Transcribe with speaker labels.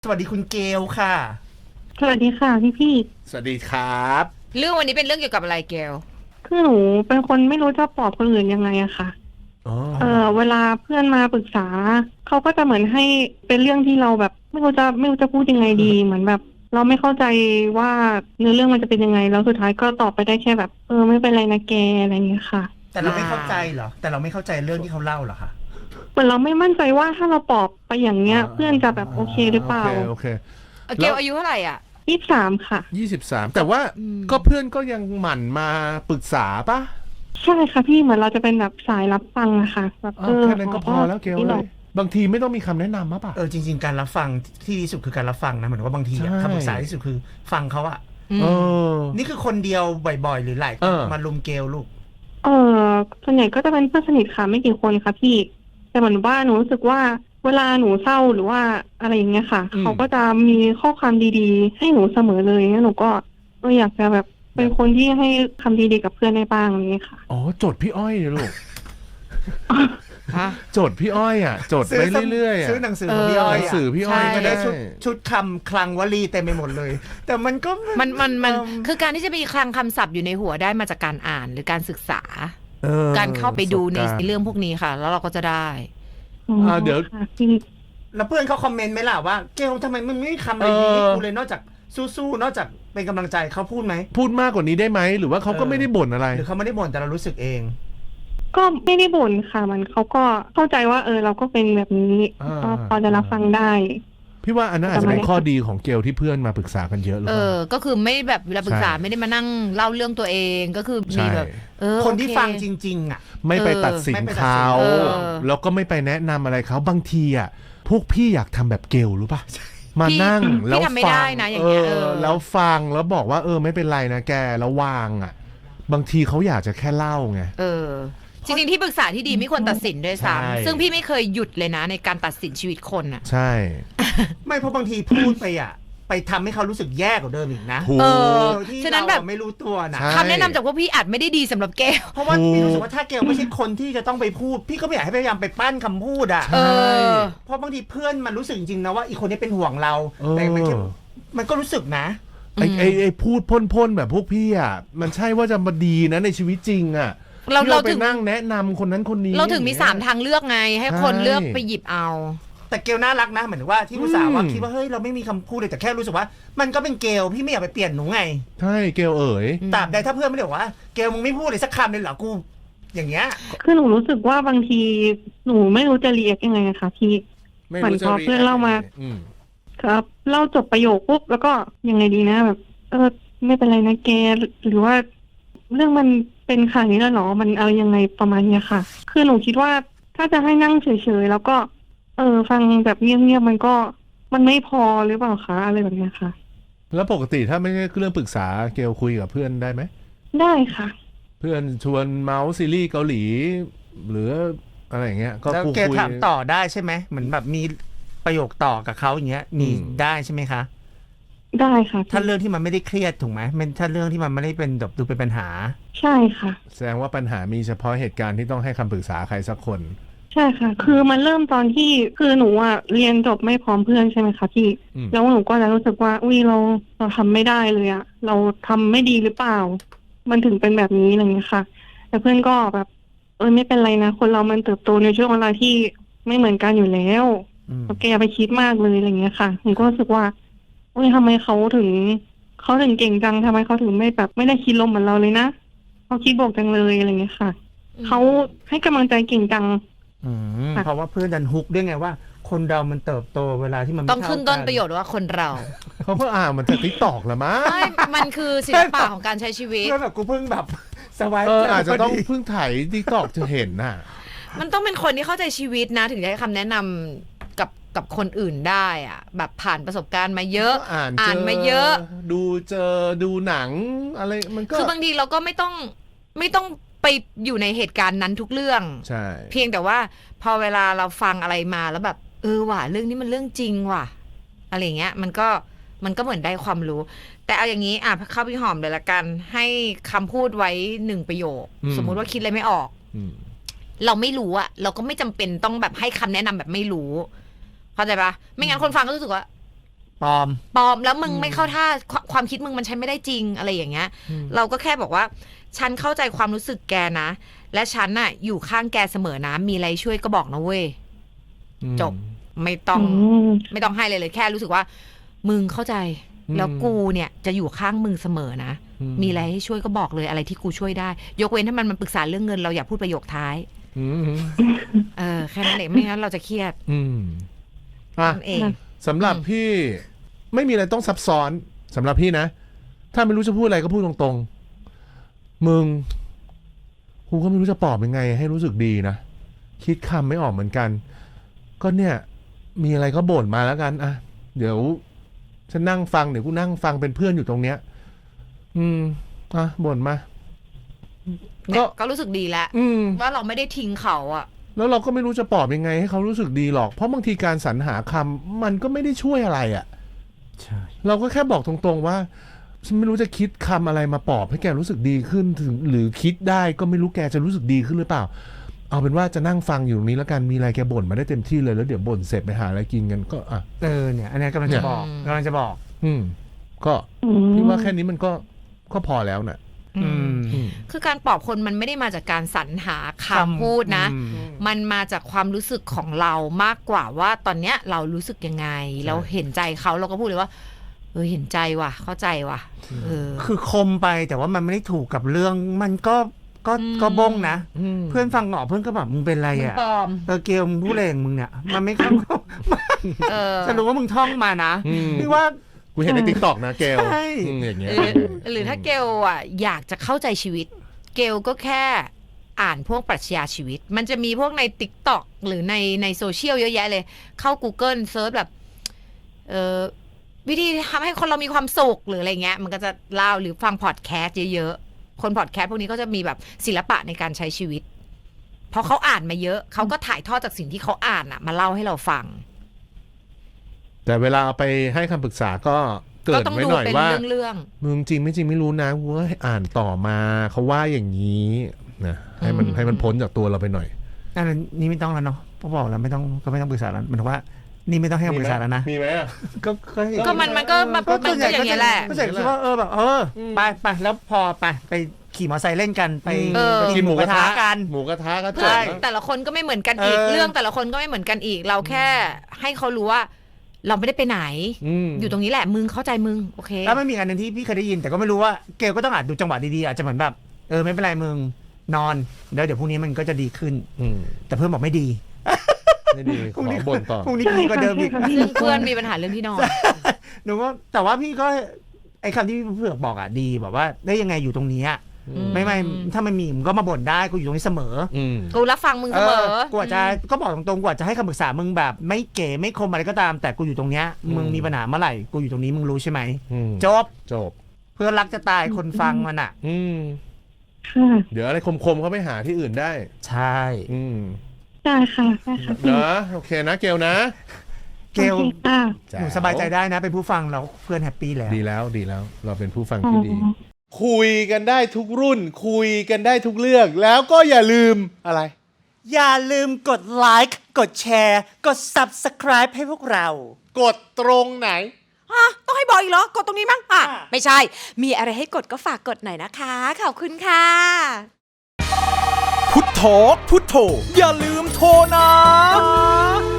Speaker 1: สวัสดีคุณเกลค่ะ
Speaker 2: สวัสดีค่ะพี่
Speaker 3: สวัสดีครับ
Speaker 4: เรื่องวันนี้เป็นเรื่องเกี่ยวกับอะไรเกล
Speaker 2: คือหนูเป็นคนไม่รู้จะปลอบคนอื่นยังไงอะค่ะ
Speaker 3: อ๋อ
Speaker 2: เวลาเพื่อนมาปรึกษาเขาก็จะเหมือนให้เป็นเรื่องที่เราแบบไม่รู้จะพูดยังไงดี เหมือนแบบ เราไม่เข้าใจว่าเนื้อเรื่องมันจะเป็นยังไงแล้วสุดท้ายก็ตอบไปได้แค่แบบไม่เป็นไรนะแกอะไรอย่างเงี้ยค่ะ
Speaker 1: แต่เราไม่เข้าใจเหรอแต่เราไม่เข้าใจเรื่องที่เขาเล่าเหรอคะ
Speaker 2: เหมือนเราไม่มั่นใจว่าถ้าเราปลอบไปอย่างเงี้ย เพื่อนจะแบบโอเคหรือเปล่า
Speaker 3: โอเค
Speaker 4: เกลอายุเท่าไหร่อ่ะ
Speaker 2: 23ค่ะ
Speaker 3: 23แต่ว่าก็เพื่อนก็ยังหมั่นมาปรึกษาปะ
Speaker 2: ใช่ค่ะพี่เหมือนเราจะเป็นแบบสายรับฟังอะค่ะแบบ
Speaker 3: แค่นั้นก็พอแล้วเกลเลยบางทีไม่ต้องมีคำแนะนำมะปะ
Speaker 1: จริงๆการรับฟังที่ดีสุดคือการรับฟังนะเหมือนว่าบางทีคำปรึกษาที่สุดคือฟังเขาอะนี่คือคนเดียวบ่อยๆหรือหลายคนมาลุมเกลลูก
Speaker 2: ส่วนใหญ่ก็จะเป็นเพื่อนสนิทค่ะไม่กี่คนค่ะพี่แต่เหมือนว่าหนูรู้สึกว่าเวลาหนูเศร้าหรือว่าอะไรอย่างเงี้ยค่ะเขาก็จะมีข้อความดีๆให้หนูเสมอเลยงั้นหนูก็อยากจะแบบเป็นคนที่ให้คำดีๆกับเพื่อนได้บ้างอย่างเงี้ยค่ะ
Speaker 3: อ๋อจดพี่อ้อยเลยลูกจดพี่อ้อยอ่ะจดไปเรื่อยๆ
Speaker 1: ซื้อหนังสือของพี่อ้อย
Speaker 3: หนังสือพี่อ้อย
Speaker 1: ก็ได้ชุดคำคลังวลีเต็มไปหมดเลย แต่มันก็
Speaker 4: มันคือการที่จะมีคลังคำศัพท์อยู่ในหัวได้มาจากการอ่านหรือการศึกษาการเข้าไปดูในเรื่องพวกนี้ค่ะ แล้วเราก็จะได้
Speaker 3: เดี๋ยว
Speaker 1: แล้วเพื่อนเขาคอมเมนต์ไหมล่ะว่าเกลทำไมมึงไม่มีคำอะไรดีให้กูเลยนอกจากสู้ๆนอกจากเป็นกำลังใจเขาพูดไหม
Speaker 3: พูดมากกว่านี้ได้ไหมหรือว่าเขาก็ไม่ได้บ่นอะไร
Speaker 1: หรือเขาไม่ได้บ่นแต่เรารู้สึกเอง
Speaker 2: ก็ไม่ได้บ่นค่ะมันเขาก็เข้าใจว่าเราก็เป็นแบบนี้ก็พอจะรับฟังได้
Speaker 3: พี่ว่าอันนั้นอาจจะเป็นข้อดีของเกลที่เพื่อนมาปรึกษากันเยอะเลย
Speaker 4: ก็คือไม่แบบเวลาปรึกษาไม่ได้มานั่งเล่าเรื่องตัวเองก็คือมีแบบ
Speaker 1: คนที่ฟังจริงๆอ่ะ
Speaker 3: ไม่ไปตัดสินเขาแล้วก็ไม่ไปแนะนำอะไรเขาบางทีอ่ะพวกพี่อยากทำแบบเกลรู้ป่ะมานั่งแล้วฟังแล้วฟังแล้วบอกว่าไม่เป็นไรนะแกแล้ววางอ่ะบางทีเขาอยากจะแค่เล่าไง
Speaker 4: จริงๆที่ปรึกษาที่ดีไม่ควรตัดสินด้วยซ้ำซึ่งพี่ไม่เคยหยุดเลยนะในการตัดสินชีวิตคนอ่ะ
Speaker 3: ใช่
Speaker 1: ไม่เพราะบางทีพูดไปอ่ะไปทำให้เขารู้สึกแย่กว่าเดิมอีกนะ
Speaker 4: ฉะนั้นแบบ
Speaker 1: ไม่รู้ตัวนะ
Speaker 4: คำแนะนำจากพวกพี่อาจไม่ได้ดีสำหรับเกล
Speaker 1: เพราะว่าพี่รู้สึกว่าถ้าเกลไม่ใช่คนที่จะต้องไปพูดพี่ก็ไม่อยากให้พยายามไปปั้นคำพูดอ่ะเพราะบางทีเพื่อนมันรู้สึกจริงๆนะว่าอีกคนนี้เป็นห่วงเราแต่มันก็รู้สึกนะ
Speaker 3: ไอ้พูดพ่นๆแบบพวกพี่อ่ะมันใช่ว่าจะมาดีนะในชีวิตจริงอ่ะเราไปนั่งแนะนำคนนั้นคนนี้
Speaker 4: เราถึงมี3ทางเลือกไงให้คนเลือกไปหยิบเอา
Speaker 1: แต่เกลน่ารักนะเหมือนว่าที่ผู้สาวว่าคิดว่าเฮ้ยเราไม่มีคำพูดเลยแต่แค่รู้สึกว่ามันก็เป็นเกลพี่ไม่อยากไปเปลี่ยนหนูไง
Speaker 3: ใช่เกล
Speaker 1: ตราบใดถ้าเพื่อนไม่ได้บอกว่าเกลมึงไม่พูดเลยสักคำเลยเหรอกูอย่างเงี้ย
Speaker 2: คือหนูรู้สึกว่าบางทีหนูไม่รู้จะเรียกยังไงนะคะพี่เหมือนพอเพื่อนเล่ามาครับเล่าจบประโยคปุ๊บแล้วก็ยังไงดีนะแบบไม่เป็นไรนะแกหรือว่าเรื่องมันเป็นขนาดนี้แล้วหรอมันเอายังไงประมาณเนี้ยค่ะคือหนูคิดว่าถ้าจะให้นั่งเฉยๆแล้วก็ฟังแบบเงียบๆมันไม่พอหรือเปล่าคะอะไรแบบเนี้ยค่ะ
Speaker 3: แล้วปกติถ้าไม่ใช่เรื่องปรึกษาเกลคุยกับเพื่อนได้ไหม
Speaker 2: ได้ค่ะ
Speaker 3: เพื่อนชวนเมาส์ซีรีส์เกาหลีหรืออะไรอย่างเงี้ยก็
Speaker 1: คุยถามต่อได้ใช่ไหมเหมือนแบบมีประโยคต่อกับเขาอย่างเงี้ยมีได้ใช่ไหมคะ
Speaker 2: ได้ค่ะ
Speaker 1: ถ้าเรื่องที่มันไม่ได้เครียดถูกไหมถ้าเรื่องที่มันไม่ได้เป็นแบบดูเป็นปัญหา
Speaker 2: ใช่ค่ะ
Speaker 3: แสดงว่าปัญหามีเฉพาะเหตุการณ์ที่ต้องให้คำปรึกษาใครสักคน
Speaker 2: ใช่ค่ะคือมันเริ่มตอนที่คือหนูเรียนจบไม่พร้อมเพื่อนใช่ไหมคะพี่แล้วหนูก็จะรู้สึกว่าเราทำไม่ได้เลยเราทำไม่ดีหรือเปล่ามันถึงเป็นแบบนี้อะไรเงี้ยค่ะแต่เพื่อนก็แบบไม่เป็นไรนะคนเรามันเติบโตในช่วงเวลาที่ไม่เหมือนกันอยู่แล้วแกอย่าไปคิดมากเลยอะไรเงี้ยค่ะหนูก็รู้สึกว่าทำไมเขาถึงเก่งจังทำไมเขาถึงไม่แบบไม่ได้คิดลมเหมือนเราเลยนะเขาคิดบวกจังเลยอะไรเงี้ยค่ะเขาให้กำลังใจเก่งจัง
Speaker 1: เพราะว่าเพื่อนดันฮุกด้วยไงว่าคนเรามันเติบโตเวลาที่มัน
Speaker 4: ต้องขึ้นต้นประโยชน์ว่าคนเรา
Speaker 3: เขาเพิ่งมันจะติ๊กตอกละมั้ง
Speaker 4: มันคือศิลปะของการใช้ชีวิต
Speaker 1: ก็แบบกูเพิ่งแบบสวาย
Speaker 3: อาจจะต้องเพิ่งถ่ายติ๊กตอกจะเห็นน่ะ
Speaker 4: มันต้องเป็นคนที่เข้าใจชีวิตนะถึงจะให้คำแนะนำกับคนอื่นได้อ่ะแบบผ่านประสบการณ์มาเยอะอ่านมาเยอะ
Speaker 3: ดูหนังอะไรมันก็
Speaker 4: คือบางทีเราก็ไม่ต้องไปอยู่ในเหตุการณ์นั้นทุกเรื่อง
Speaker 3: ใช่
Speaker 4: เพียงแต่ว่าพอเวลาเราฟังอะไรมาแล้วแบบว่ะเรื่องนี้มันเรื่องจริงว่ะอะไรเงี้ยมันก็เหมือนได้ความรู้แต่เอาอย่างนี้เข้าพี่หอมเลยละกันให้คำพูดไว้1ประโยคสมมุติว่าคิดอะไรไม่ออกเราไม่รู้อะเราก็ไม่จำเป็นต้องแบบให้คำแนะนำแบบไม่รู้เข้าใจปะไม่งั้นคนฟังก็รู้สึกว่า
Speaker 1: ปลอม
Speaker 4: แล้วมึงไม่เข้าท่าความคิดมึงมันใช้ไม่ได้จริงอะไรอย่างเงี้ยเราก็แค่บอกว่าฉันเข้าใจความรู้สึกแกนะและฉันน่ะอยู่ข้างแกเสมอนะมีอะไรช่วยก็บอกนะเว้ยจบไม่ต้องให้เลยแค่รู้สึกว่ามึงเข้าใจแล้วกูเนี่ยจะอยู่ข้างมึงเสมอนะมีอะไรให้ช่วยก็บอกเลยอะไรที่กูช่วยได้ยกเว้นถ้ามันปรึกษาเรื่องเงินเราอย่าพูดประโยคท้ายแค่นั้นเองไม่งั้นเราจะเครียด
Speaker 3: เองสำหรับพี่ไม่มีอะไรต้องซับซ้อนสำหรับพี่นะถ้าไม่รู้จะพูดอะไรก็พูดตรงๆมึงกูก็ไม่รู้จะปลอบยังไงให้รู้สึกดีนะคิดคำไม่ออกเหมือนกันก็เนี่ยมีอะไรก็บ่นมาแล้วกันเดี๋ยวฉันนั่งฟังเดี๋ยวกูนั่งฟังเป็นเพื่อนอยู่ตรงเนี้ยบ่นมา
Speaker 4: ก็รู้สึกดีแล้วว่าเราไม่ได้ทิ้งเขาอะ
Speaker 3: แล้วเราก็ไม่รู้จะปลอบยังไงให้เขารู้สึกดีหรอกเพราะบางทีการสรรหาคำมันก็ไม่ได้ช่วยอะไรอ่ะใช่เราก็แค่บอกตรงๆว่าฉันไม่รู้จะคิดคำอะไรมาปลอบให้แกรู้สึกดีขึ้นถึงหรือคิดได้ก็ไม่รู้แกจะรู้สึกดีขึ้นหรือเปล่าเอาเป็นว่าจะนั่งฟังอยู่ตรงนี้แล้วกันมีอะไรแกบ่นมาได้เต็มที่เลยแล้วเดี๋ยวบ่นเสร็จไปหาอะไรกินกันก็
Speaker 1: เนี่ยอันนี้กำลังจะบอก
Speaker 3: ก็พี่ว่าแค่นี้มันก็พอแล้วน่ะ
Speaker 4: คือการปลอบคนมันไม่ได้มาจากการสรรหาคำพูดนะมันมาจากความรู้สึกของเรามากกว่าว่าตอนเนี้ยเรารู้สึกยังไงเราเห็นใจเขาเราก็พูดเลยว่าเห็นใจว่ะเข้าใจว่ะ
Speaker 1: คือคมไปแต่ว่ามันไม่ได้ถูกกับเรื่องมันก็บ้งนะเพื่อนฟังหงอเพื่อนก็แบบมึงเป็นไรอ่ะเกลมึงผู้เลงมึงเนี่ยมันไม่เข้าจะรู้ว่ามึงท่องมานะพี่ว่า
Speaker 3: กูเห็นใน TikTok นะเกลอย่างเงี้ย
Speaker 4: หรือถ้าเกลอ่ะอยากจะเข้าใจชีวิตเกลก็แค่อ่านพวกปรัชญาชีวิตมันจะมีพวกใน TikTok หรือในโซเชียลเยอะแยะเลยเข้า Google เซิร์ชแบบวิธีทำให้คนเรามีความสุขหรืออะไรเงี้ยมันก็จะเล่าหรือฟังพอดแคสต์เยอะๆคนพอดแคสต์พวกนี้ก็จะมีแบบศิลปะในการใช้ชีวิตเพราะเขาอ่านมาเยอะเขาก็ถ่ายทอดจากสิ่งที่เขาอ่านอ่ะมาเล่าให้เราฟัง
Speaker 3: แต่เวลาเอาไปให้คำปรึกษาก็เกิดไว้หน่อยว่ามึงจริงไม่จริงไม่รู้นะว่าอ่านต่อมาเขาว่าอย่างนี้นะให้มันพ้นจากตัวเราไปหน่อย
Speaker 1: นี่ไม่ต้องแล้วเนาะพอบอกแล้วไม่ต้องปรึกษาแล้วมันว่านี่ไม่ต้องให้คำปรึกษาแล้วนะ
Speaker 3: มีไหม
Speaker 4: ก็มันก็อย่างเงี้ยแหละ
Speaker 1: ก็จะคิดว่าแบบไปแล้วพอไปขี่มอเตอร์ไซค์เล่นกันไป
Speaker 3: กินหมูกระทะ
Speaker 1: กัน
Speaker 3: หมูกระทะก็
Speaker 4: ใช่แต่ละคนก็ไม่เหมือนกันอีกเรื่องแต่ละคนก็ไม่เหมือนกันอีกเราแค่ให้เขารู้ว่าเราไม่ได้ไปไหนอยู่ตรงนี้แหละมึงเข้าใจมึงโอเค
Speaker 1: แล้วไม่มีอันนึงที่พี่เคยได้ยินแต่ก็ไม่รู้ว่าเกลก็ต้องอาจดูจังหวะดีๆอาจจะเหมือนแบบไม่เป็นไรมึงนอนแล้วเดี๋ยวพรุ่งนี้มันก็จะดีขึ้นแต่เพื่อนบอกไม่ดี
Speaker 3: พรุ่งนี้บ่นต่อ
Speaker 1: พรุ่งนี้ดีกว่าเดิมอีก
Speaker 4: เพื่อนมีปัญหาเรื่องที่นอน
Speaker 1: หนูก็แต่ว่าพี่ก็ไอ้คำที่เพื่อนบอกดีแบบว่าได้ยังไงอยู่ตรงนี้ไม่ถ้ามันมีมึงก็มาบ่นได้กูอยู่ตรงนี้เสมอ
Speaker 4: กูรับฟังมึงเสมอ
Speaker 1: กูอาจจะก็บอกตรงๆกูอาจจะให้คำปรึกษามึงแบบไม่เก๋ไม่คมอะไรก็ตามแต่กูอยู่ตรงเนี้ยมึงมีปัญหาเมื่อไหร่กูอยู่ตรงนี้มึงรู้ใช่ไหมจบเพื่อนรักจะตายคนฟังมันอ่ะ
Speaker 3: เดี๋ยวอะไรคมๆเขาไปหาที่อื่นได้
Speaker 1: ใช่
Speaker 2: ได้ค่ะ
Speaker 3: นะโอเคนะเกลนะ
Speaker 1: เกลหนูสบายใจได้นะเป็นผู้ฟังเราเพื่อนแฮปปี้แล้ว
Speaker 3: ดีแล้วเราเป็นผู้ฟังที่ดีคุยกันได้ทุกรุ่นคุยกันได้ทุกเรื่องแล้วก็อย่าลืมอะไร
Speaker 1: อย่าลืมกดไลค์กดแชร์กด Subscribe ให้พวกเรา
Speaker 3: กดตรงไหน
Speaker 4: ต้องให้บอกอีกเหรอกดตรงนี้มั้งไม่ใช่มีอะไรให้กดก็ฝากกดหน่อยนะคะขอบคุณค่ะ
Speaker 5: พุทโธอย่าลืมโทรนะ